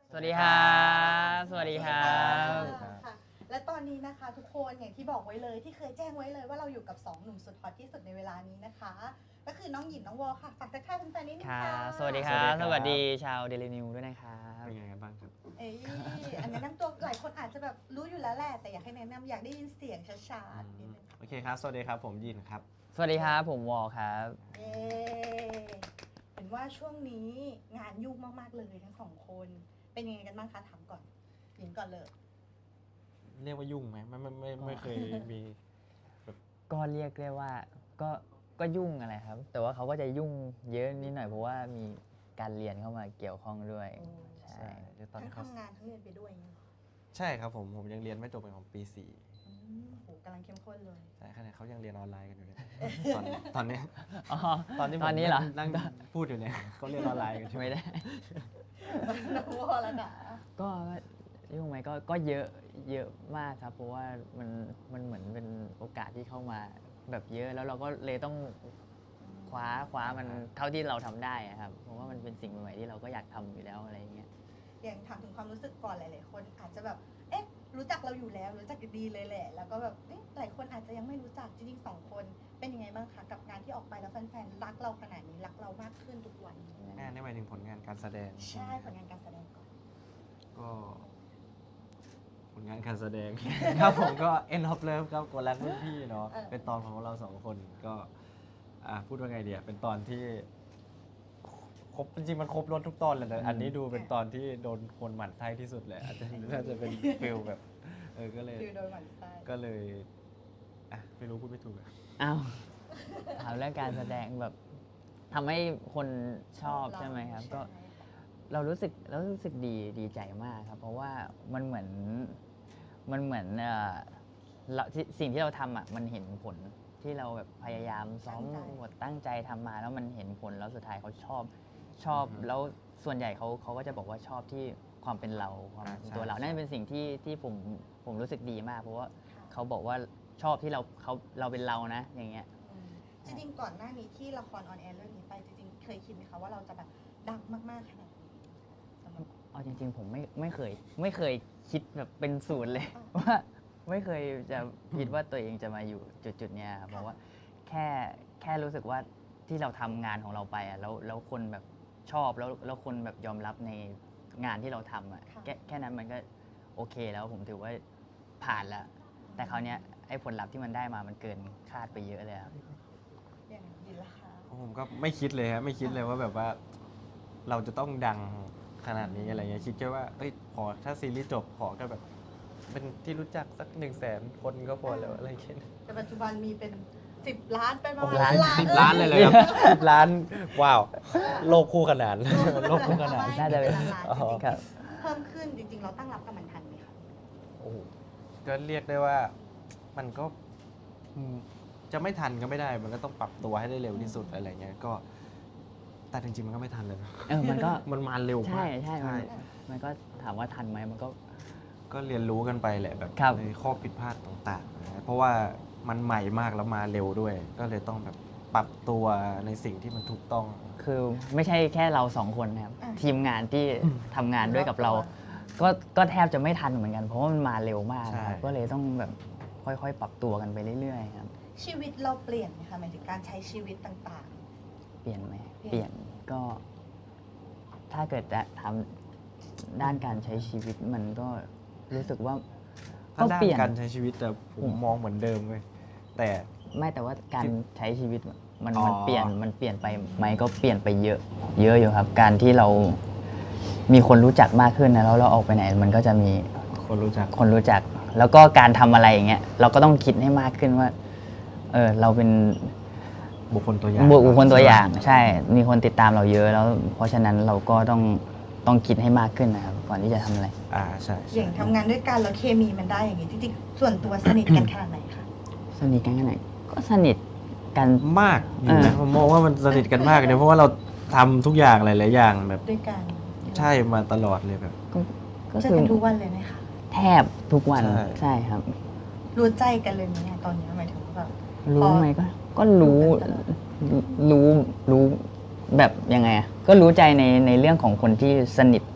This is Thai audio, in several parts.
สวัสดีครับสวัสดีครับค่ะและตอนนี้นะคะทุกคนอย่างที่บอกไว้เลยที่เคยแจ้งไว้เลยว่าเราอยู่กับ2หนุ่มสุดฮอตที่สุดในเวลานี้นะคะก็คือน้องหยินน้องวอค่ะฝากทักทายแฟนๆนิดนึงครัค่ะบสวัสดีครับสวัสดีชาวเดลินิวด้วยนะครับเป็นไงกันบ้างครับเอ้ยอันแนะนำตัวหลายคนอาจจะแบบรู้อยู่แล้วแหละแต่อยากให้แนะนำอยากได้ยินเสียงช้าๆนิดนึงค่ะโอเคครับ สวัสดีครับ ผมยินครับสวัสดีครับผมวอลครับเย้เห็นว่าช่วงนี้งานยุ่งมากๆเลยทั้งสองคนเป็นยังไงกันบ้างคะถามก่อนหยินก่อนเลยเรียกว่ายุ่งไหมไม่เคยมีก็เรียกได้ว่าก็ยุ่งอะไรครับ แต่ว่าเขาก็จะยุ่งเยอะนิดหน่อยเพราะว่ามีการเรียนเข้ามาเกี่ยวข้องด้วยโอ้ใช่ใช่เดี๋ยวตอนทั้งนี้เขาทำงานทั้งเรียนไปด้วยอย่างเงี้ยเหรอใช่ครับผมยังเรียนไม่จบเป็นของปีโหกำลังเข้มข้นเลย 4 ใช่ขณะเขายังเรียนออนไลน์กันอยู่เลยตอนเนี้ยอ๋อตอนที่ผมตอนนี้เหรอนั่งพูดอยู่เนี่ยเขาเรียนออนไลน์กันใช่ไหมไม่ได้น้องวอแล้วนะก็ยุ่งไหมก็เยอะมากครับ เพราะว่ามันเหมือนเป็นโอกาสที่เข้ามาแบบเยอะแล้วเราก็เลยต้องคว้ามันเท่าที่เราทำได้อะครับ เพราะว่ามันเป็นสิ่งใหม่ๆที่เราก็อยากทำอยู่แล้วอะไรอย่างเงี้ยอย่างถามถึงความรู้สึกก่อนหลายๆคนอาจจะแบบ เอ๊ะ รู้จักเราอยู่แล้วรู้จักดีเลยแหละ แล้วก็แบบเอ๊ะหลายคนอาจจะยังไม่รู้จักจริงๆสองคน เป็นยังไงบ้างคะกับงานที่ออกไปแล้วแฟนๆรักเราขนาดนี้รักเรามากขึ้นทุกวันงานนี่หมายถึงผลงานการแสดงใช่ผลงานการแสดงก่อนก็ผลงานการแสดง ครับผมก็ End of Love ครับกดรักรุ่นพี่เนาะเป็นตอนของเรา2 คนก็พูดว่าไงเดียเป็นตอนที่ครบจริงๆมันครบรถทุกตอนเลยแต่อันนี้ดูเป็นตอนที่โดนคนหมั่นไส้ที่สุดเลยอาจจะน่าจะเป็นฟิลแบบก็เลยฟิลโดยหมั่นไส้ก็เลยไม่รู้พูดไม่ถูกอะอ้าวถามเรื่องการแสดงแบบทำให้คนชอบใช่ไหมครับ ก็ใช่เรารู้สึกดีใจมากครับ เพราะว่ามันเหมือนสิ่งที่เราทำอ่ะมันเห็นผลที่เราแบบพยายามซ้อมบทตั้งใจทำมาแล้วมันเห็นผลแล้วสุดท้ายเขาชอบแล้วส่วนใหญ่เขาก็จะบอกว่าชอบที่ความเป็นเราความเป็นตัวเรานั่นเป็นสิ่งที่ผมรู้สึกดีมาก เพราะว่าค่ะเขาบอกว่าชอบที่เราเป็นเรานะอย่างเงี้ยจริงๆก่อนหน้านี้ที่ละครออนแอร์เรื่องนี้ไปจริงๆเคยคิดไหมคะว่าเราจะแบบดังมากๆขนาดนี้สำหรับเอาจริงๆผมไม่เคยคิดแบบเป็นศูนย์เลย ว่าไม่เคยจะคิดว่าตัวเองจะมาอยู่จุดๆเนี้ยครับเพราะว่าแค่รู้สึกว่าที่เราทำงานของเราไปอ่ะแล้วคนแบบชอบแล้วคนแบบยอมรับในงานที่เราทำอ่ะแค่นั้นมันก็โอเคแล้วผมถือว่าผ่านแล้ว แต่คราวเนี้ยไอ้ผลลัพธ์ที่มันได้มามันเกินคาดไปเยอะเลยครับอย่างยินละคะผมก็ไม่คิดเลยครับไม่คิดเลยว่าแบบว่า เราจะต้องดังขนาดนี้อะไรเงี้ยคิดแค่ว่าพอถ้าซีรีส์จบขอแค่แบบ เป็นที่รู้จักสัก100,000 คนก็พอแล้วอะไรเงี้ยแต่ปัจจุบันมีเป็น10 ล้านเป็นประมาณ 10 ล้านเลยครับ10 ล้านว้าวโลกคู่ขนานโลกคู่ขนานน่าจะเป็นล้านอ๋อจริงครับๆเพิ่มขึ้นจริงๆ เราตั้งรับกับมันทันไหมคะโอ้โหก็เรียกได้ว่ามันก็จะไม่ทันก็ไม่ได้ มันก็ต้องปรับตัวให้ได้เร็วที่สุดอะไรเงี้ยก็แต่จริงๆมันก็ไม่ทันเลยนะมันก็มันมาเร็วมากใช่มันก็ถามว่าทันไหมมันก็ก็เรียนรู้กันไปแหละแบบครับในข้อผิดพลาดต่างๆนะเพราะว่ามันใหม่มากแล้วมาเร็วด้วย ก็เลยต้องแบบปรับตัวในสิ่งที่มันถูกต้องคือไม่ใช่แค่เราสองคนนะครับ ทีมงานที่ทำงานด้วยกับเรา ก็แทบจะไม่ทันเหมือนกัน เพราะว่ามันมาเร็วมากใช่ครับก็เลยต้องแบบค่อยๆ ปรับตัวกันไปเรื่อยๆครับชีวิตเราเปลี่ยนไหมคะหมายถึงการใช้ชีวิตต่างเปลี่ยนไหมเปลี่ยนเปลี่ยนก็ ถ้าเกิดจะทำด้านการใช้ชีวิตมันก็รู้สึกว่าถ้าก็ด้าเปนลี่ยนการใช้ชีวิตแต่ผมมองเหมือนเดิมเลยแต่ไม่แต่ว่าการใช้ชีวิตมันอ๋อเปลี่ยนไปไหมก็เปลี่ยนไปเยอะอยู่ครับ การที่เรามีคนรู้จักมากขึ้นนะแล้วเราออกไปไหน มันก็จะมีคนรู้จักคนรู้จัก แล้วก็การทำอะไรอย่างเงี้ยเราก็ต้องคิดให้มากขึ้นว่าเราเป็นบุคคลตัวอย่างบุคคลตัวอย่างใช่ มีคนติดตามเราเยอะแล้ว เพราะฉะนั้นเราก็ต้องคิดให้มากขึ้นนะครับก่อนที่จะทำอะไรใช่ๆ อย่างทำงานด้วยกันแล้วเคมีมันได้อย่างนี้จริงๆ ส่วนตัวสนิทกันขนาดไหนคะสนิทกันแค่ไหนก็สนิทกันมากอยู่นะผมมองว่ามันสนิทกันมากเลยเพราะว่าเราทำทุกอย่างหลายๆอย่างแบบด้วยกันใช่มาตลอดเลยแบบก็เจอคือกันทุกวันเลยไหมคะแทบทุกวันใช่ใช่ครับรู้ใจกันเลยไหมเนี่ยตอนนี้หมายถึงว่าแบบรู้ไหมก็รู้ตลอดรู้แบบยังไงอะก็รู้ใจในเรื่องของคนที่สนิท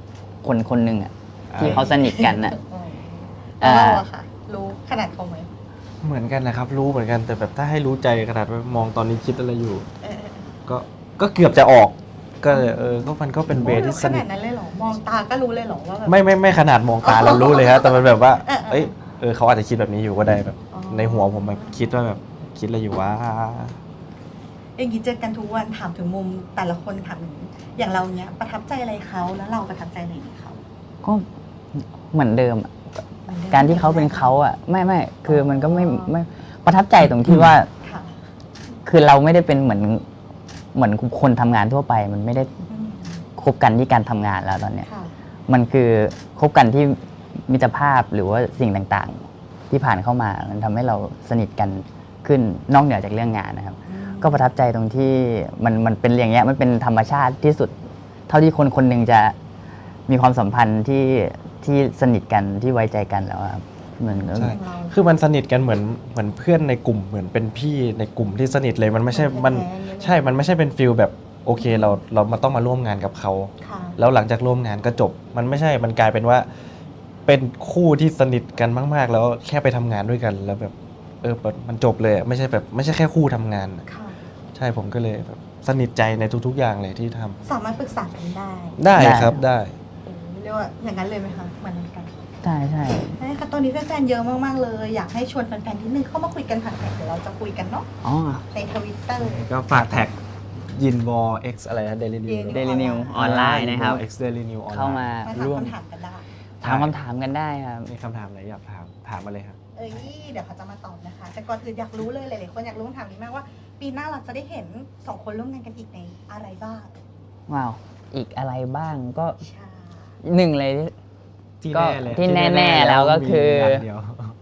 คนคนหนึ่งอะที่เขาสนิทกันอะแล้วเราอะค่ะ รู้ขนาดเขาไหมเหมือนกันนะครับรู้เหมือนกันแต่แบบถ้าให้รู้ใจขนาดว่ามองตอนนี้คิดอะไรอยู่เออก็เกือบจะออกก็เลยก็มันก็เป็นเวที่สขนินาทดนั้นเลยเหรอ มองตาก็รู้เลยเหรอว่าแบบไม่ขนาดมองตาเรารู้เลยครับแต่มันแบบว่าเออเขาอาจจะคิดแบบนี้อยู่ก็ได้แบบอ๋อในหัวผมแบบคิดว่าแบบคิดอะไรอยู่ว่าอย่างนี้เจอกันทุกวันถามถึงมุมแต่ละคนถามถึงอย่างเราเนี้ยประทับใจอะไรเขาแล้วเราประทับใจอะไรในเขาก็เหมือนเดิมอะการที่เขาเป็นเขาอะไม่คือมันก็ไม่ประทับใจตรงที่ว่าค่ะคือเราไม่ได้เป็นเหมือนคนทำงานทั่วไป มันไม่ได้อืมคบกันที่การทำงานแล้วตอนเนี้ยค่ะมันคือคบกันที่มิตรภาพหรือว่าสิ่งต่างๆ ที่ผ่านเข้ามา มันทำให้เราสนิทกันขึ้นนอกเหนือจากเรื่องงานนะครับ ก็ประทับใจตรงที่มันเป็นอย่างเงี้ยมันเป็นธรรมชาติที่สุด เท่าที่คนคนหนึ่งจะมีความสัมพันธ์ที่สนิทกันที่ไว้ใจกันแล้วอะครับเหมือนใช่ คือมันสนิทกันเหมือนเพื่อนในกลุ่มเหมือนเป็นพี่ในกลุ่มที่สนิทเลยมันไม่ใช่มันใช่มันไม่ใช่เป็นฟิลแบบโอเคเรามาต้องมาร่วมงานกับเขาค่ะแล้วหลังจากร่วมงานก็จบ มันไม่ใช่มันกลายเป็นว่า เป็นคู่ที่สนิทกันมาก ๆ แล้วแค่ไปทำงานด้วยกันแล้วแบบมันจบเลยอะไม่ใช่แบบไม่ใช่แค่คู่ทำงานอะค่ะใช่ผมก็เลยแบบสนิทใจในทุก ๆ อย่างเลยที่ทำสามารถปรึกษากันได้ได้ครับได้เรียกว่าอย่างนั้นเลยไหมคะเหมือนกันใช่ใช่ใช่ค่ะตอนนี้แฟนๆเยอะมากๆเลย อยากให้ชวนแฟนๆนิดนึงเข้ามาคุยกันผ่านแท็กเดี๋ยวเราจะคุยกันเนาะอ๋อในทวิตเตอร์ก็ฝากแท็กยินวอ X อะไรนะ Daily New Daily New ออนไลน์นะครับ X Daily New ออนไลน์เข้ามามาถามร่วมคำถามกันได้ถามคำถามกันได้ครับมีคำถามอะไรอยากถามมาเลยครับเดี๋ยวเขาจะมาตอบนะคะ แต่ก่อนอื่นอยากรู้เลยหลายๆคนอยากรู้คำถามนี้มากว่า ปีหน้าเราจะได้เห็นสองคนร่วมงานกันอีกในอะไรบ้างว้าว อีกอะไรบ้างก็ใช่หนึ่งเลยที่ก็แน่เลยที่แน่ๆแล้วก็คือมีงานเดียว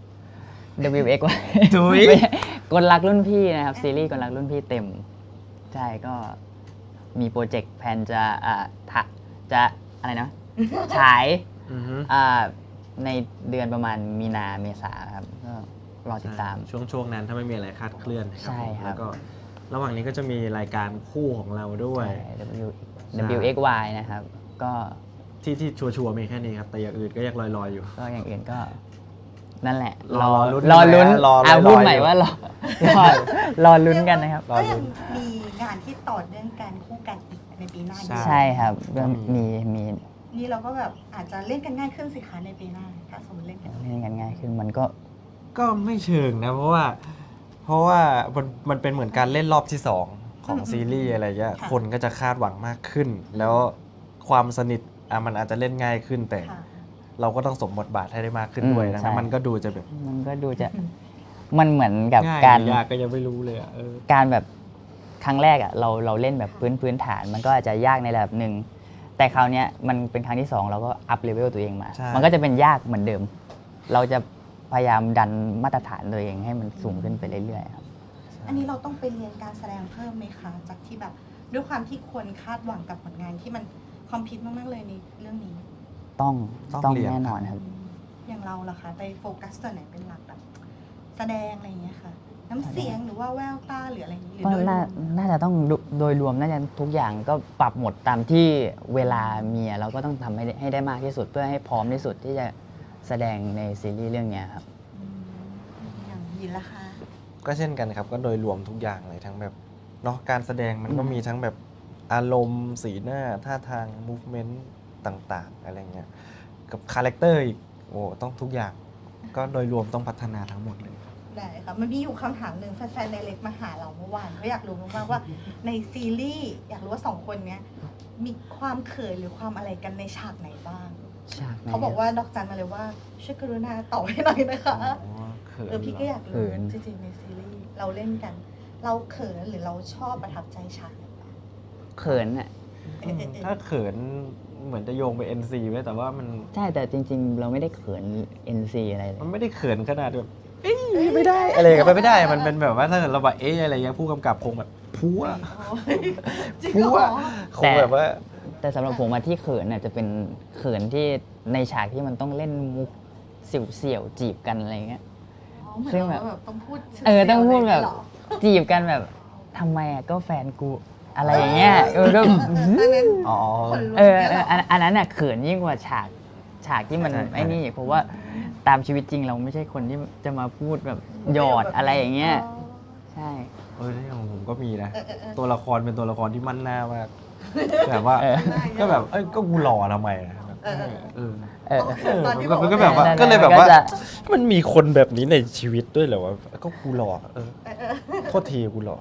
WX ไว้จุ๊ยกลรักรุ่นพี่นะครับ ซีรีส์กลรักรุ่นพี่เต็ม ใช่ก็มีโปรเจกต์แพลนจะอะไรนะ ฉายอือฮึในเดือนประมาณมีนาเมษาครับก็รอติดตามช่วงนั้นถ้าไม่มีอะไรคาดเคลื่อนใช่ครับแล้วก็ระหว่างนี้ก็จะมีรายการคู่ของเราด้วยใช่ WXY นะครับ ก็ที่ชัวร์ๆมีแค่นี้ครับ แต่อย่างอื่นก็ยังลอยๆอยู่ก็อย่างอื่นก็ นั่นแหละรอลุ้นรอลุ้นรอพูดรอใหม่อยู่ว่ารอลุ้นกันนะครับรอก็ลุ้ยังนมีงานที่ต่อเนื่องกันคู่กันอีกในปีหน้าอยู่ใช่ครับก็ก็มีมีนี่เราก็แบบอาจจะเล่นกันง่ายขึ้นสิคะในปีหน้าถ้าสมมติเล่นกันเล่นกันง่ายขึ้นมันก็ก็ไม่เชิงนะ เพราะว่ามันเป็นเหมือนการเล่นรอบที่ 2 ของซีรีส์อะไรเงี้ยค่ะคนก็จะคาดหวังมากขึ้น แล้วความสนิทมันอาจจะเล่นง่ายขึ้นแต่ค่ะเราก็ต้องสมบทบาทให้ได้มากขึ้นด้วยนะใช่มันก็ดูจะแบบมันก็ดูจะมันเหมือนกับง่ายการหรือยากก็ยังไม่รู้เลยอะการแบบครั้งแรกอ่ะเราเล่นแบบพื้นฐาน มันก็อาจจะยากในระดับหนึ่งแต่คราวเนี้ยมันเป็นครั้งที่สองเราก็อัพเลเวลตัวเองมาใช่มันก็จะเป็นยากเหมือนเดิม เราจะพยายามดันมาตรฐานตัวเองให้มันสูงขึ้นไปเรื่อยๆครับอันนี้เราต้องไปเรียนการแสดงเพิ่มไหมคะ จากที่แบบด้วยความที่คนคาดหวังกับผลงานที่มันคอมพิวต์มากๆเลยในเรื่องนี้ต้องต้องเรียนแน่นอนครับอย่างเราล่ะคะไปโฟกัสตัวไหนเป็นหลักแบบแสดงอะไรอย่างเงี้ยค่ะ น้ำเสียงหรือว่าแววตาหรืออะไรอย่างเงี้ยหรือก็โดยรวมน่าจะต้องโดยรวมน่าจะทุกอย่างก็ปรับหมดตามที่เวลามีเราก็ต้องทำให้ได้มากที่สุดเพื่อให้พร้อมที่สุดที่จะแสดงในซีรีส์เรื่องเนี้ยครับอืมอย่างยินละคะก็เช่นกันครับก็โดยรวมทุกอย่างเลยทั้งแบบเนาะการแสดงมันก็มีทั้งแบบอารมณ์สีหน้าท่าทาง movement ต่างๆ อะไรเงี้ยกับคาแรคเตอร์อีกโอ้ต้องทุกอย่าง ก็โดยรวมต้องพัฒนาทั้งหมดเลยได้ค่ะมันมีอยู่คำถามหนึ่งแฟนๆในเล็กมาหาเราเมื่อวานเขาอยากรู้มากๆว่าในซีรีส์อยากรู้ว่าสองคนเนี้ยมีความเขินหรือความอะไรกันในฉากไหนบ้างฉากไหนเขาบอกว่าดอกจันมาเลยว่าช่วยกรุณาตอบให้หน่อยนะคะเขินพี่ก็อยากเขิรู้นจริงๆในซีรีส์เราเล่นกัน เราเขินหรือเราชอบประทับใจฉากไหนบ้างเขินอ่ะถ้าเขินเหมือนจะโยงไป NC ไว้แต่ว่ามันใช่แต่จริง ๆ เราไม่ได้เขิน NC อะไรเลยมันไม่ได้เขินขนาดแบบเอ้ยไม่ได้อะไรกันไปไม่ได้มันเป็นแบบว่าถ้าเกิดเราแบบอะไรเงี้ยผู้กำกับคงแบบพัวจริงพัเหวรอคงแบบว่าแต่สำหรับผมอะที่เขินน่ะจะเป็นเขินที่ในฉากที่มันต้องเล่นมุกเสี่ยวๆจีบกันอะไรเงี้ยอ๋อเหมือนซึ่งแบบเราแบบต้องพูดต้องพูดแบบเหรอจีบกันแบบทำไมอะก็แฟนกูอะไรอย่างเงี้ยก็อ๋อคนลุกอันนั้นน่ะเขินยิ่งกว่าฉากที่มันใช่ไอ้นี่เพราะว่าตามชีวิตจริงเราไม่ใช่คนที่จะมาพูดแบบหยอดอะไรอย่างเงี้ยใช่ที่ของผมก็มีนะเออตัวละครเป็นตัวละครที่มั่นหน้ามากแบบว่าเออก็แบบก็กูหล่อทำไมอะเออเออตอนที่มันก็ว่าแบบว่านั่นก็เลยแบบว่าก็จะมันมีคนแบบนี้ในชีวิตด้วยเหรอวะก็กูหล่อโทษทีกูหล่อ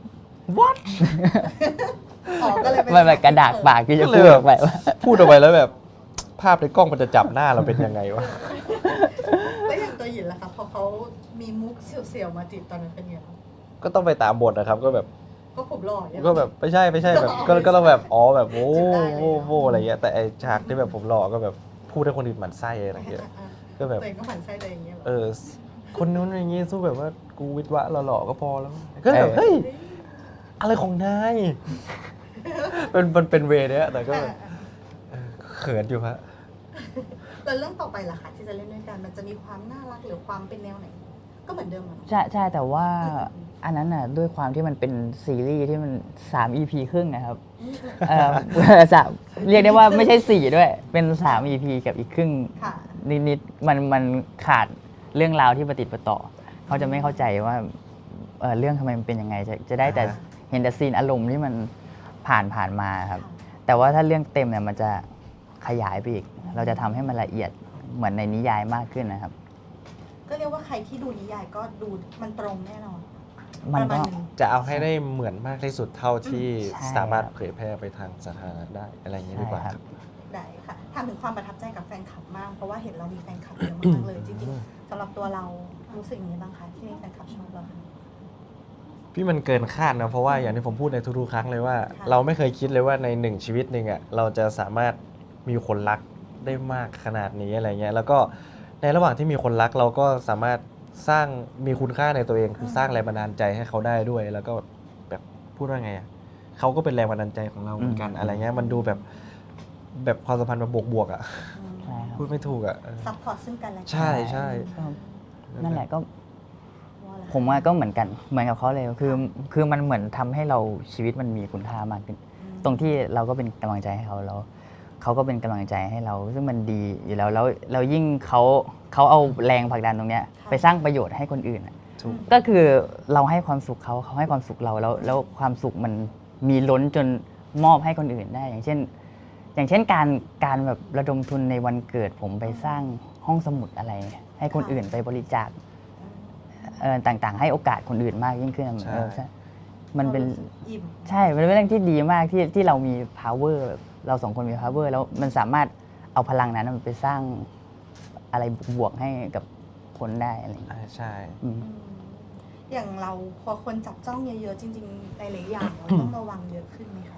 what อ๋อก็เลยเป็นมันแบบกระดากปากที่จะก็เลพูยดแบบออกไปว่าพูดออกไปแล้วแบบ ภาพในกล้องมันจะจับหน้าเราเป็นยังไงวะแล้วอย่างตัวหยินล่ะคะพอเขามีมุกเสียวๆมาจีบตอนนั้นเป็นไงบ้างก็ต้องไปตามบทนะครับ ก็แบบก็ผมหล่อใช่ไหมก็แบบไม่ใช่แบบก็ต้องแบบอ๋อแบบโอ้จิบได้เลยโหอะไรเงี้ยแต่ไอฉากที่แบบผมหล่อก็แบบพูดให้คนอื่นหมั่นไส้อะไรเงี้ยก็แบบตัวเองก็หมั่นไส้ตัวเองอย่างเงี้ยเหรอคนนู้นอย่างงี้สู้แบบว่ากูวิทวะหล่อๆก็พอแล้วก็แบบเฮ้ยอะไรของนายมันเป็นเวย์เนี้ยแต่ก็แบบเขินอยู่ฮะแล้วเรื่องต่อไปล่ะคะที่จะเล่นด้วยกันมันจะมีความน่ารักหรือความเป็นแนวไหน ก็เหมือนเดิมอ่ะใช่แต่ว่าอันนั้นน่ะด้วยความที่มันเป็นซีรีส์ที่มัน3 EP ครึ่งนะครับสามเรียกได้ว่าไม่ใช่ 4 ด้วยเป็น3 EP กับอีกครึ่งค่ะนิดๆมันขาดเรื่องราวที่ประติดประต่อ เขาจะไม่เข้าใจว่าเรื่องทำไมมันเป็นยังไงจะได้แต่เห็นแต่ซีนอารมณ์ที่มันผ่านมาครับ แต่ว่าถ้าเรื่องเต็มเนี่ยมันจะขยายไปอีก เราจะทำให้มันละเอียดเหมือนในนิยายมากขึ้นนะครับก็เรียกว่าใครที่ดูนิยายก็ดูมันตรงแน่นอนมันประก็มาณนึงจะเอาให้ได้เหมือนมากที่สุดเท่าที่ใช่สามารถเผยแพร่ไปทางสาธารณะได้อะไรอย่างนี้ดีกว่าใช่ครับได้ค่ะถามถึงความประทับใจกับแฟนคลับมาก เพราะว่าเห็นเรามีแฟนคลับเยอะมากเลย จริงๆสำหรับตัวเรารู้สึกยังไงบ้างคะที่มีแฟนคลับชอบเราพี่มันเกินคาดนะเพราะว่าอย่างที่ผมพูดในทุกๆครั้งเลยว่าค่ะเราไม่เคยคิดเลยว่าในหนึ่งชีวิตหนึ่งอ่ะเราจะสามารถมีคนรักได้มากขนาดนี้อะไรเงี้ยแล้วก็ในระหว่างที่มีคนรักเราก็สามารถสร้างมีคุณค่าในตัวเองคือสร้างแรงบันดาลใจให้เขาได้ด้วย แล้วก็แบบพูดว่าไงอ่ะเขาก็เป็นแรงบันดาลใจของเราเหมือนกันอะไรเงี้ยมันดูแบบความสัมพันธ์แบบบวกๆอ่ะใช่ครับพูดไม่ถูกอ่ะซัพพอร์ตซึ่งกันและกัใช่ใช่ก็นั่นแหละก็ว่าอะไรผมว่าก็เหมือนกันเหมือนกับเขาเลยคือมันเหมือนทำให้เราชีวิตมันมีคุณค่ามากขึ้น ตรงที่เราก็เป็นกำลังใจให้เขาแล้วเขาก็เป็นกำลังใจให้เรา ซึ่งมันดีอยู่แล้วเรายิ่งเขาเอาแรงผลักดันตรงเนี้ยไปสร้างประโยชน์ให้คนอื่นอะถูกก็คือเราให้ความสุขเขาให้ความสุขเราแล้วความสุขมันมีล้นจนมอบให้คนอื่นได้ อย่างเช่นการแบบระดมทุนในวันเกิดผมไปสร้างห้องสมุดอะไร ให้คนอื่นไปบริจาคต่างๆ ให้โอกาสคนอื่นมากยิ่งขึ้นใช่ใช่มันเป็นอิ่มใช่ มันเป็นเรื่องที่ดีมากที่เรามี power แบบเราสองคนมี power แล้วมันสามารถเอาพลังนั้นมันไปสร้างอะไรบวกๆให้กับคนได้อะไรอย่างเงี้ยใช่อืมอย่างเราพอคนจับจ้องเยอะๆจริงๆหลายๆอย่างเราต้องระวังเยอะขึ้นไหมคะ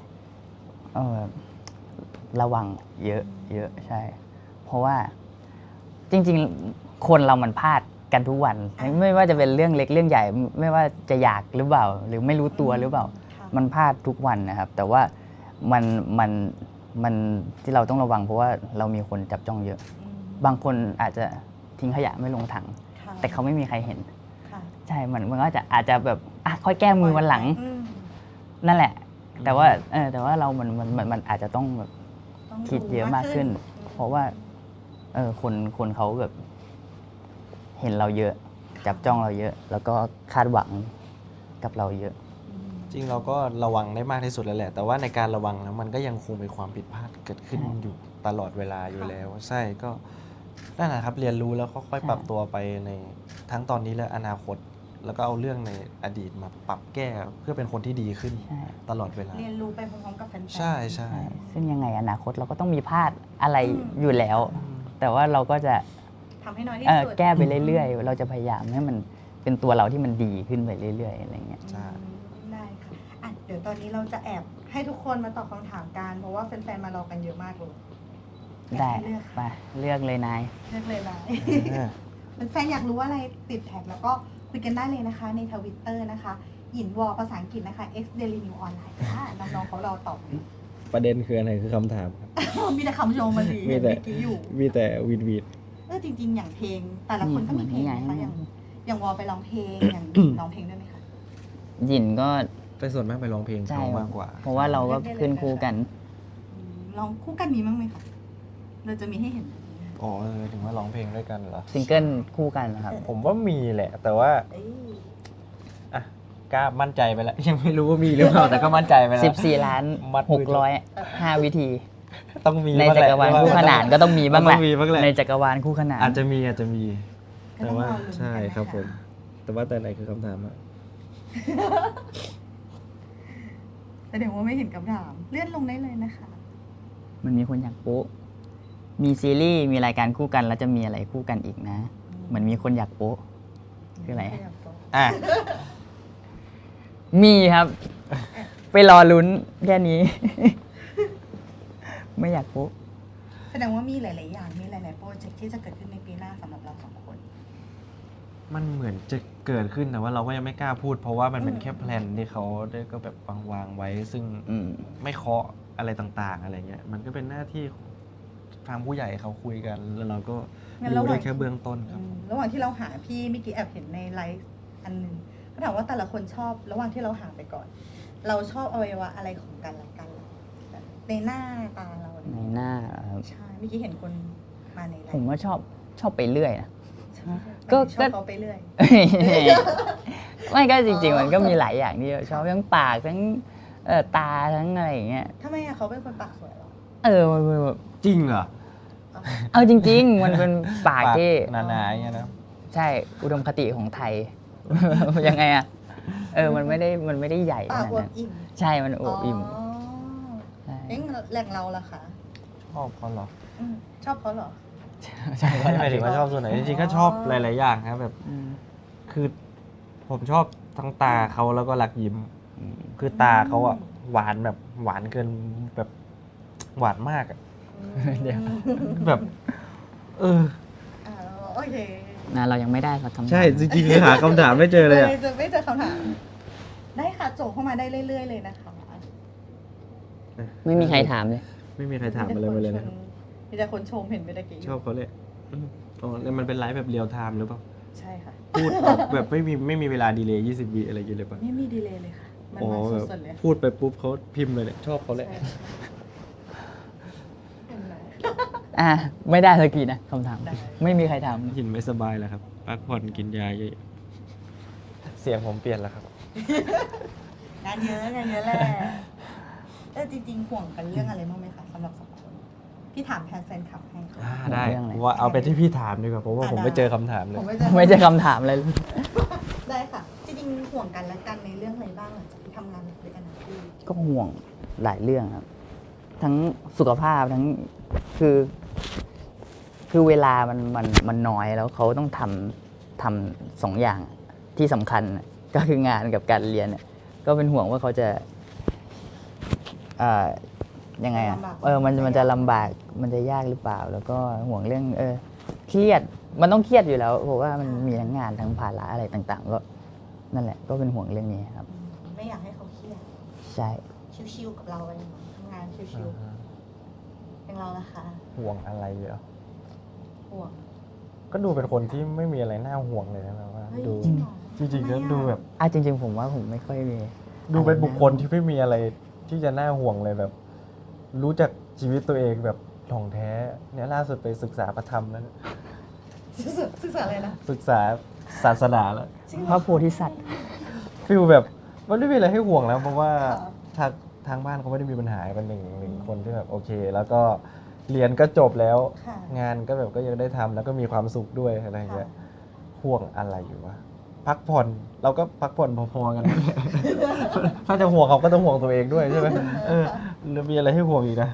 ระวังเยอะใช่ เพราะว่าจริงๆ คนเรามันพลาดกันทุกวัน ไม่ว่าจะเป็นเรื่องเล็กเรื่องใหญ่ ไม่ว่าจะอยากหรือเปล่า หรือไม่รู้ตัวหรือเปล่าค่ะมันพลาดทุกวันนะครับ แต่ว่ามันที่เราต้องระวังเพราะว่าเรามีคนจับจ้องเยอะอืมบางคนอาจจะทิ้งขยะไม่ลงถังค่ะแต่เขาไม่มีใครเห็นค่ะใช่มันก็อาจจะแบบค่อยแก้มือวันหลังอืมนั่นแหละ แต่ว่าเรามันอาจจะต้องแบบต้องคิดเยอะมากขึ้น เพราะว่าคนเขาแบบ เห็นเราเยอะ จับจ้องเราเยอะ แล้วก็คาดหวังกับเราเยอะอืมจริงเราก็ระวังได้มากที่สุดแล้วแหละ แต่ว่าในการระวังแล้วมันก็ยังคงมีความผิดพลาดเกิดขึ้นใช่อยู่ตลอดเวลาอยู่แล้ว ใช่ก็นั่นแหละครับเรียนรู้แล้วค่อยๆปรับตัวไปในทั้งตอนนี้และอนาคต แล้วก็เอาเรื่องในอดีตมาปรับแก้เพื่อเป็นคนที่ดีขึ้นใช่ตลอดเวลาเรียนรู้ไปพร้อมๆกับแฟนๆใช่ใช่ใช่ซึ่งยังไงอนาคตเราก็ต้องมีพลาดอะไรอืมอยู่แล้ว แต่ว่าเราก็จะทำให้น้อยที่เอ่อสุดแก้ไปเรื่อยๆ เราจะพยายามให้มันเป็นตัวเราที่มันดีขึ้นไปเรื่อยๆอะไรเงี้ยใช่ได้ค่ะอ่ะ เดี๋ยวตอนนี้เราจะแอบให้ทุกคนมาตอบคำถามกัน เพราะว่าแฟนๆ มารอกันเยอะมากเลยได้อยากให้เลือกไปเลือกเลยนายเลือกเลยนะอ่าแฟนๆ อยากรู้อะไรติดแท็กแล้วก็คุยกันได้เลยนะคะในทวิตเตอร์นะคะ หยินวอภาษาอังกฤษนะคะ x daily new online ค่ะ น้องๆเขารอตอบประเด็นคืออะไรคือคำถามครับมีแต่คำชมมาสิมีเห็นแต่เมื่อกี้อยู่มีแต่วีดวีดจริงๆ อย่างเพลง แต่ละคนก็มีเพลงนะคะอย่างวอไปร้องเพลง อย่างร้องเพลงด้วยไหมคะหยินก็แต่ส่วนมากไปร้องเพลงใช่เขามากกว่าเพราะว่าเราก็ขึ้นคู่กันลองคู่กันมีมั้งไหมคะเราจะมีให้เห็นอ๋อถึงว่าร้องเพลงด้วยกันเหรอซิงเกิลคู่กันนะครับผมว่ามีแหละ แต่ว่าเอ้ยอ่ะกล้ามั่นใจไปแล้ว ยังไม่รู้ว่ามีหรือเปล่า แต่ก็มั่นใจไปแล้ว 14 ล้านมัดมือ 605 วิธีต้องมีในบ้งจัแหละกรวาลคู่ขนานก็ต้องมีบ้างแหละต้องมีบ้างแหละในจักรวาลคู่ขนานอาจจะมีก็แต่ต้องว่ารอลุ้นกันใช่นะคะครับผม แต่ว่าแต่ไหนคือคำถามอะแสดงว่าไม่เห็นคำถามเลื่อนลงได้เลยนะคะมันมีคนอยากโป๊ะมีซีรีส์มีรายการคู่กันแล้วจะมีอะไรคู่กันอีกนะ เหมือนมีคนอยากโป๊ะ คืออะไรอ่ะมีครับ ไปรอลุ้นแค่นี้ ไม่อยากโป๊ะแสดงว่ามีหลาย ๆ อย่างมีหลาย ๆ โปรเจกต์ที่จะเกิดขึ้นในปีหน้าสำหรับเราสองคนมันเหมือนจะเกิดขึ้นแต่ว่าเราก็ยังไม่กล้าพูด เพราะว่ามันเป็นอืมแค่แพลนที่เขาได้ก็แบบวางไว้ ซึ่งอืมไม่เคาะอะไรต่างๆ อะไรเงี้ย มันก็เป็นหน้าที่ทางผู้ใหญ่เขาคุยกัน แล้วเราก็งั้นรู้ระหได้ว่างแค่เบื้องต้นครับระหว่างที่เราหาพี่เมื่อกี้แอบเห็นในไลฟ์อันหนึงก็ถามว่าแต่ละคนชอบระหว่างที่เราหาไปก่อน เราชอบอวัยวะอะไรของกันและกันแบบในหน้าตาเราในหน้าครับใช่เมื่อกี้เห็นคนมาในไลผมฟ์ว่าชอบไปเรื่อยนะใช่ก็ชอบเขาไปเรื่อยไม่ก็จริงๆ มันก็มีหลายอย่างที่ชอบทั้งปากทั้งตาทั้งอะไรอย่างเงี้ยทำไมอะเขาเป็นคนปากสวยเหรอมันแบบจริงเหรอเอาจริง ๆ มันเป็นปากที่หนาๆอย่างเงี้ยนะใช่อุดมคติของไทย ยังไงอะมันไม่ได้ใหญ่ขปากนาดอวบนั้นอิ่มใช่มันอวบอิ่มอ๋อใช่เอ๊ะแหล่งเราล่ะคะชอบเขาเหรออืมชอบเขาเหรอใช่ไม่หมายถึงว่าชอบส่วนไหน จริงๆ ก็ชอบหลายๆ อย่างครับแบบอืมคือผมชอบทั้งตาเขาแล้วก็รักยิ้ม คือตาเขาอะหวานแบบหวานเกินแบบหวานมากอะเดี๋ยวแบบอ่าโอเคเรายังไม่ได้สักคำถามใช่จริงๆคือหาคำถามไม่เจอเลยอะจะไม่เจอคำถาม ได้ค่ะโจเข้ามาได้เรื่อย ๆ เลยนะคะไม่มีใครถามเลยไม่มีใครถามอะไรมาเลยนะครับมีแต่คนชมเห็นไปตะกี้ชอบเขาเลยอ๋อแล้วมันเป็นไลฟ์แบบเรียลไทม์หรือเปล่าใช่ค่ะพูดแบบไม่มีเวลาดีเลย์20 วิอะไรอย่างเงี้ยเลยป่ะไม่มีดีเลย์เลยค่ะ มันอ๋อมาแบบสดๆเลยพูดไปปุ๊บเขาพิมพ์เลยเนี่ยชอบเขาเลยใช่เห็นไหมไม่ได้สักทีนะคำถามได้ไม่มีใครถามหินไม่สบายแล้วครับพักผ่อนกินยาเยอะเสียงผมเปลี่ยนแล้วครับงานเยอะแหละจริงๆห่วงกันเรื่องอะไรบ้างไหมคะสำหรับสองคนพี่ถามแทนแฟนคลับให้ค่ะได้เรื่องอะไรว่าเอาไปที่พี่ถามดีกว่าเพราะว่าผมได้ไม่เจอคำถามเลยผมไม่เจอไม่ใช่คำถามเลยได้ค่ะ จริงๆห่วงกันและกันในเรื่องอะไรบ้างหลังจากที่ทำงานหนักด้วยกันทั้งคู่ก็ห่วงหลายเรื่องครับ ทั้งสุขภาพทั้งคือเวลามันน้อยแล้วเขาต้องทำสองอย่างที่สำคัญน่ะก็คืองานกับการเรียนน่ะก็เป็นห่วงว่าเขาจะยังไงอ่ะมันจะลำบากมันจะยากหรือเปล่า แล้วก็ห่วงเรื่องเครียดมันต้องเครียดอยู่แล้วเพราะว่ามันมีทั้งงานทั้งภาระอะไรต่าง ๆ ก็นั่นแหละก็เป็นห่วงเรื่องนี้ครับไม่อยากให้เขาเครียดใช่ชิวๆกับเราอะไรอย่างเงี้ยทำงานชิวๆเป็นเราละคะห่วงอะไรเหรอห่วงก็ดูเป็นคนที่ไม่มีอะไรน่าห่วงเลยนะแบบว่าเฮ้ยดูจริงเหรอจริงๆทำไมก็อะดูแบบจริง ๆ ผมว่าผมไม่ค่อยมีดูเป็นบุคคลที่ไม่มีอะไรที่จะน่าห่วงเลยแบบ รู้จักชีวิตตัวเองแบบถ่องแท้เนี่ยล่าสุดไปศึกษาพระธรรมแล้วศึกษาอะไรนะศึกษาศาสนาแล้วจริงเหพรอระโพธิสัตว์ฟิลแบบมันไม่มีอะไรให้ห่วงแล้ว เพราะว่าค่ะทางบ้านเขาไม่ได้มีปัญหาเป็นหนึ่งคนที่แบบโอเค แล้วก็เรียนก็จบแล้วค่ะงานก็แบบก็ยังได้ทำแล้วก็มีความสุขด้วยอะไรอย่างเงี้ยห่วงอะไรอยู่วะพักผ่อนเราก็พักผ่อนพอๆกัน ถ้าจะห่วงเขาก็ต้องห่วงตัวเองด้วยใช่ไหมแล้วมีอะไรให้ห่วงอีกนะ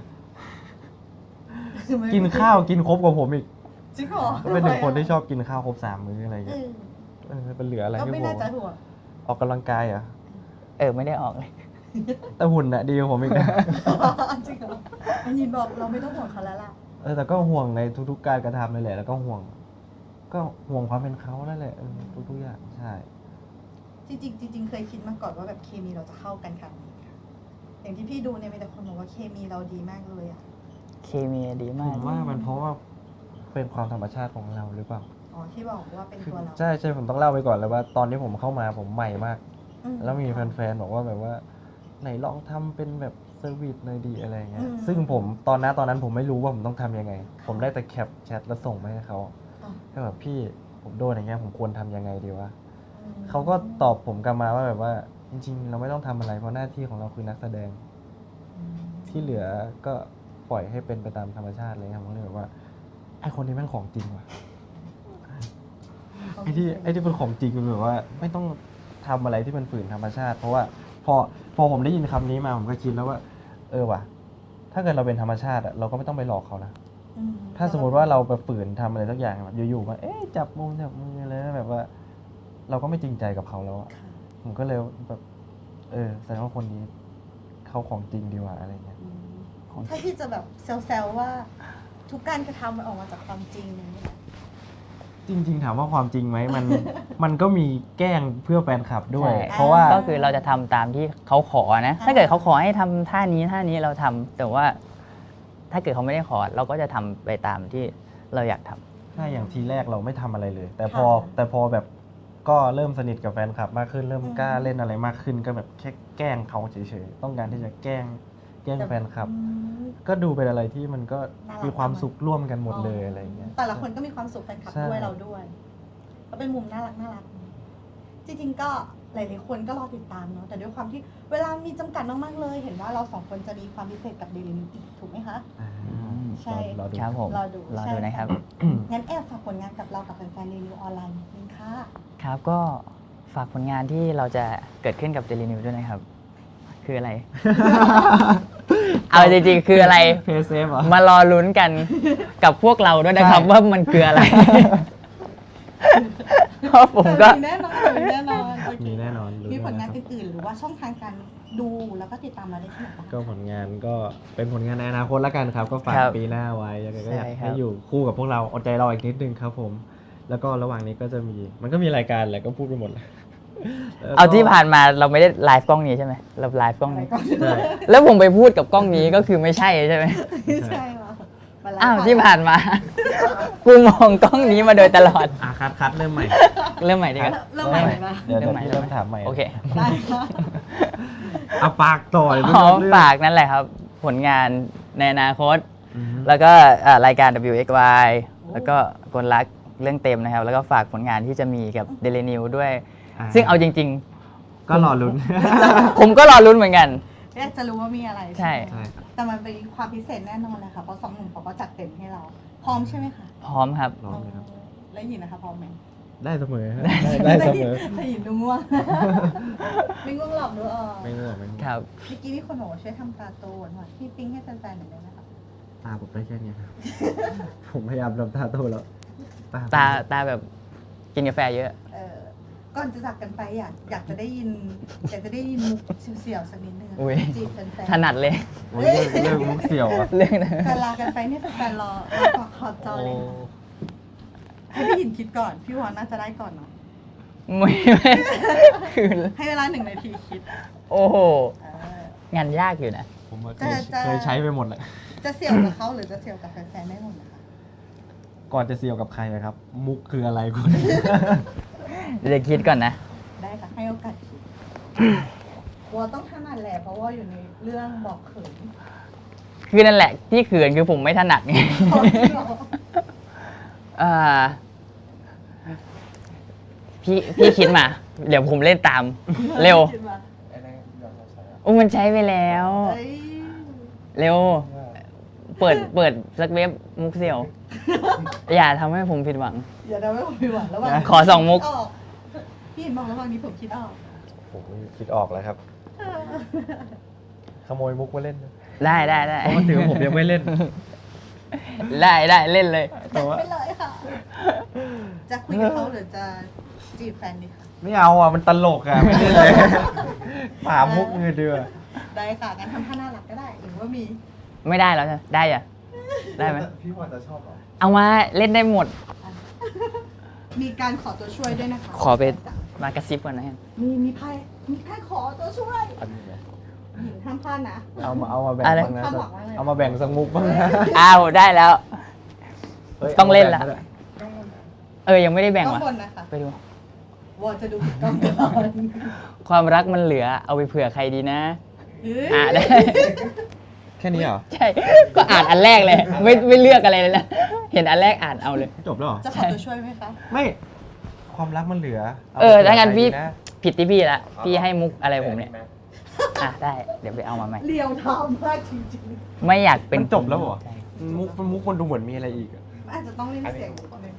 กินข้าวกินครบกว่าผมอีกจริงเหรอก็เป็นหนึ่งคนที่ชอบกินข้าวครบ3 มื้ออะไรอย่างเอเงี้ยอเป็นเหลืออะไรก็ให้ไม่ห่วน่าง จะห่วงออกกำลังกายเหรอ่ะไม่ได้ออกเลยแต่หุ่นน่ะดีกว่าผมอีกนะจริงเหรอมันยินบอกเราไม่ต้องห่วงเขาแล้วล่ะแต่ก็ห่วงในทุกๆการกระทำเลยแหละแล้วก็ห่วงความเป็นเขานั่นแหละทุกๆอย่างใช่จริงเคยคิดมาก่อนว่าแบบเคมีเราจะเข้ากันขนาดนี้ค่ะอย่างที่พี่ดูเนี่ยมีแต่คนบอกว่าเคมีเราดีมากเลยอ่ะเคมีดีผมากมว่ามันเพราะว่าเป็นความธรรมชาติของเราหรือเปล่าอ๋อที่บอกว่าเป็นตัวเราใช่ผมต้องเล่าไปก่อนเลยว่า ตอนที่ผมเข้ามาผมใหม่มากแล้วมีแฟนๆบอกว่าแบบว่าไหนลองทำเป็นแบบเซอร์วิสหน่อยดีอะไรเงี้ยอืมซึ่งผมตอนนั้นผมไม่รู้ว่าผมต้องทำยังไง ผมได้แต่แคปแชทแล้วส่งไปให้เขาอ๋อแค่แบบพี่ผมโดนอย่างเงี้ยผมควรทำยังไงดีวะอืมเขาก็ตอบผมกลับมาว่าแบบว่าจริงๆ เราไม่ต้องทำอะไรเพราะหน้าที่ของเราคือนักแสดง ที่เหลือก็ปล่อยให้เป็นไปตามธรรมชาติเลยครับผมเลยแบบว่าไอคนนี้แม่งของจริงว่ะไอที่เป็นของจริงมันแบบว่า ไม่ต้องทำอะไรที่มันฝืนธรรมชาติ เพราะว่าพอผมได้ยินคำนี้มาผมก็คิดแล้วว่า ว่ะ ถ้าเกิดเราเป็นธรรมชาติอะเราก็ไม่ต้องไปหลอกเขานะอืมถ้าสมมติว่าเราไปฝืนทำอะไรสักอย่างแบบอยู่ๆมาจับมืออะไรนะแบบว่า เราก็ไม่จริงใจกับเขาแล้วอะค่ะผมก็เลยแบบแสดงว่าคนนี้เขาของจริงดีกว่าอะไรเงี้ยอืมถ้าที่จะแบบแซวๆว่า ทุกการกระทำมันออกมาจากความจริงอย่างนี้แหละจริงๆถามว่าความจริงไหมมันก็มีแกล้งเพื่อแฟนคลับด้วยใช่เพราะว่าก็คือเราจะทำตามที่เขาขอนะ ถ้าเกิดเขาขอให้ทำท่านี้เราทำแต่ว่า ถ้าเกิดเขาไม่ได้ขอเราก็จะทำไปตามที่เราอยากทำถ้าอย่างทีแรกเราไม่ทำอะไรเลย แต่พอแบบก็เริ่มสนิทกับแฟนคลับมากขึ้นเริ่มกล้าเล่นอะไรมากขึ้นก็แบบแค่แกล้งเขาเฉยๆต้องการที่จะแกล้งแฟนคลับอืมก็ดูเป็นอะไรที่มันก็น่ารักมีความสุขร่วมกันหมดเลยอะไรเงี้ยแต่ละคนก็มีความสุขแฟนคลับใช่ด้วยเราด้วยก็เป็นมุมน่ารักจริงๆก็หลายๆคนก็รอติดตามเนาะแต่ด้วยความที่เวลามีจำกัดมากๆเลย เห็นว่าเราสองคนจะมีความพิเศษกับเดลินิวอีกถูกไหมคะ ใช่รอดูครับผมรอดูรอดูนะครับงั้นแอบฝากผลงานกับเรากับแฟนๆรีวิวออนไลน์นิดนึงค่ะครับก็ฝากผลงานที่เราจะเกิดขึ้นกับ Daily News ด้วยนะครับ คืออะไร เอาจริงๆคืออะไรเพย์เซฟเหรอมารอลุ้นกันกับพวกเราด้วยนะครับใช่ว่ามันคืออะไร เพราะผมก็มีแน่นอนมีแน่นอนโอเคมีแน่นอนรู้มีผลงานแน่นอนอื่นๆหรือว่าช่องทางการดูแล้วก็ติดตามเราได้ที่ไหนบ้างก็ผลงานก็เป็นผลงานในอนาคตแล้วกันครับ ก็ฝากครับปีหน้าไว้ยังไงก็อยากใช่ครับให้อยู่คู่กับพวกเราอดใจรออีกนิดนึงครับผม แล้วก็ระหว่างนี้ก็จะมีมันก็มีรายการแหละก็พูดไปหมดแล้วแล้วก็เอาที่ผ่านมาเราไม่ได้ไลฟ์กล้องนี้ใช่ไหมเราไลฟ์กล้องนี้ใช่แล้วผมไปพูดกับกล้องนี้ก็คือไม่ใช่ใช่ไหมไม่ใช่หรอมาไลฟ์อ้าวก่นที่ผ่านมา กูมองกล้องนี้มาโดยตลอดคัดเริ่มใหม่เริ่มใหม่ดีกว่าเริ่มใหม่เลยปะเดี๋ยวเริ่มใหม่พี่เริ่มถามใหม่โอเคได้ค่ะเอาปากต่อยอ๋อฝากนั่นแหละครับ ผลงานในอนาคต แล้วก็รายการ WXY แล้วก็กลรักเรื่องเต็มนะครับ แล้วก็ฝากผลงานที่จะมีกับ Daily News ด้วย ซึ่งเอาจริงก็รอลุ้นๆ ผมก็รอลุ้นเหมือนกันอยากจะรู้ว่ามีอะไรใช่ไหมใช่แต่มันเป็นความพิเศษแน่นอนเลยค่ะเพราะสองหนุ่มเขาก็จัดเต็มให้เรา พร้อมใช่ไหมคะพร้อมครับรอเลยครับแล้วหยินนะคะพร้อมไหมได้เสมอฮะได้เสมอแต่หยินดูง่วง ไม่ง่วงหรอกดูออกไม่ง่วงไม่ง่วงครับเมื่อกี้มีคนบอกว่าช่วยทำตาโตหน่อยพี่ปิ๊งให้แฟนๆหน่อยได้ไหมคะตาผมได้แค่เนี้ยครับ ผมพยายามทำตาโตแล้วตาแบบกินกาแฟเยอะเออก่อนจะจากกันไปอยากจะได้ยินมุกเสียวๆสักนิดนึงอะอุ๊ยจีบแฟนถนัดเลยโอ้ยเรื่องมุกเสี่ยวอะเรื่องนั้นๆการลากันไปเนี่ยแฟนๆรอขอบจอเลยค่ะให้พี่หยินคิดก่อนพี่วอนน่าจะได้ก่อนเนาะไม่คือให้เวลา1 นาทีคิดโอ้โหเอองานยากอยู่นะผมว่าจะเคยใช้ไปหมดแหละจะเสี่ยวกับเขาหรือจะเสี่ยวกับแฟนๆได้หมดนะคะก่อนจะเสี่ยวกับใครนะครับ มุกคืออะไรคุณเดี๋ยวคิดก่อนนะได้ค่ะให้โอกาสคิดวอต้องถนัดแหละเพราะว่าอยู่ในเรื่องบอกเขินคือนั่นแหละที่เขินคือผมไม่ถนัดไง อ่าพี่คิดมา เดี๋ยวผมเล่นตาม เร็วคิดว่าโอ้มันใช้ไปแล้วเอ้ยเร็ว เปิดสักเว็บมุกเสี่ยว อย่าทำให้ผมผิดหวังอย่าได้ไม่ผิดหวังระหว่างขอสองมุกคิดอพี่เห็นบอกระหว่างนี้ผมคิดออกผมคิดออกแล้วครับ ขโมยมุกมาเล่นนะได้เพราะว่าถือว่าผมยังไม่เล่นได้เล่นเลยจัดไปเลยค่ะ จะคุยกับเขาหรือจะจีบแฟนดีคะไม่เอาอ่ะ มันตลกอ่ะ ไม่เล่นเลยป่ามุกเงยเดือได้ค่ะงั้นทำท่าน่ารักก็ได้หรือว่ามีไม่ได้แล้วใช่ไหมได้อะได้ไหมพี่วอนจะชอบหรอเอามาเล่นได้หมดมีการขอตัวช่วยด้วยนะคะขอไปมากระซิบก่อนนะฮะมีไพ่ขอตัวช่วยอันนี้นะหญิงห้ามพลาดนะเอามาแบ่งอะไรบ้างนะคาดหวังว่าอะไรเอามาแบ่งสักมุกบ้างนะอ้าวได้แล้วฮ้ยต้องเล่นละอามาแบ่งก็ได้ยังไม่ได้แบ่งต้องว่ะบนนะคะไปดูวอจะดูผิดกล้องก่อนความรักมันเหลือเอาไปเผื่อใครดีนะเฮ้ยได้แค่นี้เหรอใช่ ก็อ่านอันแรกเลย ไม่เลือกอะไรเลยนะ เห็นอันแรกอ่านเอาเลยจบแล้วเหรอจะขอตัวช่วยไหมคะไม่ความรักมันเหลือถ้างั้นพี่ใครดีะผิดที่พี่ละ พี่ให้มุกอะไรผมเนี่ย ได้ เดี๋ยวไปเอามาใหม่เรียวทำมากจริงไม่อยากเป็นมันจบแล้วเหรอใช่มุกมันดูเหมือนมีอะไรอีกอะๆอาจจะต้องเล่นเสียงนิดนึง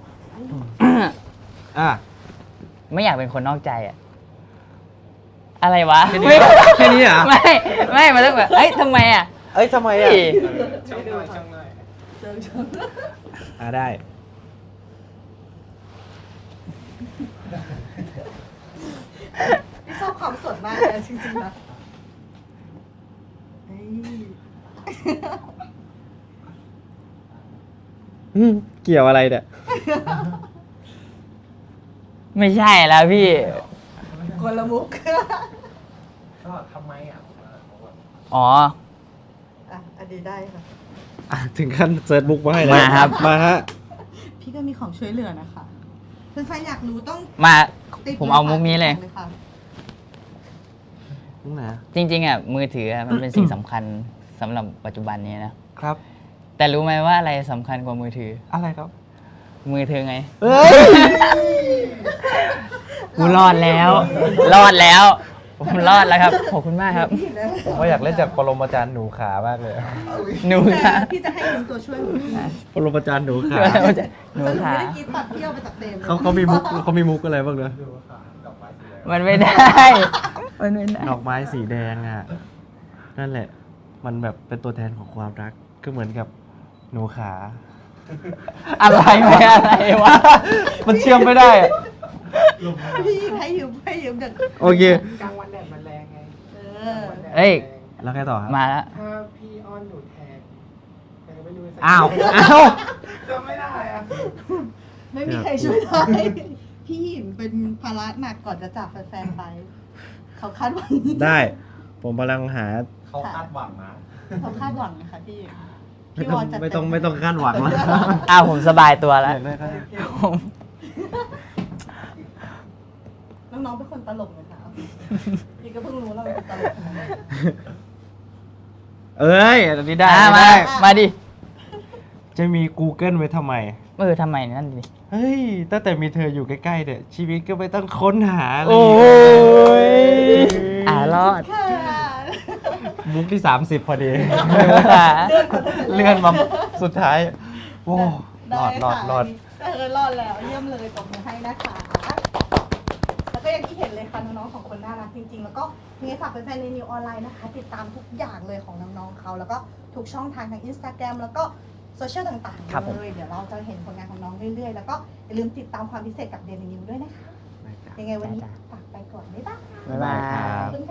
อ่ะไม่อยากเป็นคนนอกใจอะอะไรวะแค่นี้เหรอแค่นี้เหรอไม่มันต้องแบบเอ้ยทำไมอ่ะเอ้ยทำไมอ่ะพี่ช่างหน่อยเจอได้พี่ชอบความสดมากเลยจริงๆนะเฮ้ยเกี่ยวอะไรเนี่ยไม่ใช่แล้วพี่คนละมุกก็ทำไมอ่ะอ๋ออันนี้ได้ค่ะถึงขั้นเซิร์ชบุ๊กมาให้แล้วมาครับมาฮะพี่ก็มีของช่วยเหลือนะคะเพื่อนๆอยากรู้ต้องมาติดผมเอามุกนี้เลยค่ะมุกไหนจริง ๆอ่ะมือถืออะมันเป็นสิ่งสำคัญสำหรับปัจจุบันนี้นะครับแต่รู้ไหมว่าอะไรสำคัญกว่ามือถืออะไรครับมือเธอไงเอ้ยกูรอดแล้ว รอดแล้ว ผมรอดแล้วครับ ขอบคุณมากครับผมว่าอยากเล่นจากปรมาจารย์หนูขามากเลยหนูค่ะพี่จะให้ยืมตัวช่วยของพี่ปรมาจารย์หนูขาหนูสรุปขาไม่ได้กินตัดเที่ยวไปจากเต็มเขามีมุกอะไรบ้างเนอะมันไม่ได้ มันไม่ได้ดอกไม้สีแดงอ่ะ นั่นแหละ มันแบบเป็นตัวแทนของความรัก ก็เหมือนกับหนูขาอะไรไม่อะไรวะมันเชื่อมไม่ได้อะพี่ให้ยืมเด็กโอเคกลางวันแดดมันแรงไงเออเอ้ยแล้วไงต่อครับมาแล้วถ้าพี่อ้อนหนูแทนแต่ไม่รู้จะอ้าวอ้าวจำไม่ได้อ่ะไม่มีใครช่วยได้พี่หิมเป็นภาระหนักก่อนจะจากแฟนๆไป เขาคาดหวังได้ ผมกำลังหาเขาคาดหวังนะเขาคาดหวังนะคะพี่ไม่พี่ต้วองอนจัดไม่ต้องคาดหวังแล้วอ้าวผมสบายตัวแล้วอยากได้ก็ได้ผมน้องๆเป็นคนตลกนะคะพี่ก็เพิ่งรู้เราเป็นคนตลกนะเอ้ยอันนี้ได้มาได้มาดิจะมี Google ไว้ทำไมทำไมนั่นดิเฮ้ย ตั้งแต่มีเธออยู่ใกล้ๆเนี่ยชีวิตก็ไม่ต้องค้นหาอะไรโอ้ยอ่ะรอดค่ะมุกที่ 30 พอดีขาเลื่อนมาสุดท้าย โอ้รได้อดรอดค่ะรอดรอดแล้วเยี่ยมเลยตบมือให้นะคะ แล้วก็อย่างที่เห็นเลยค่ะน้องๆของคนน่ารักจริงๆ แล้วก็มีฝากแฟนๆในนิวออนไลน์นะคะ ติดตามทุกอย่างเลยของน้องๆเขาแล้วก็ทุกช่องทางทาง Instagram แล้วก็โซเชียลต่างครับผมๆเลยเดี๋ยวเราจะเห็นผลงานของน้องเรื่อยๆ แล้วก็อย่าลืมติดตามความพิเศษกับเดลินิวด้วยนะคะ ยังไงวันนี้ฝากไปก่อนบ๊ายบายบ๊ายบายครับขอบคุณค่ะ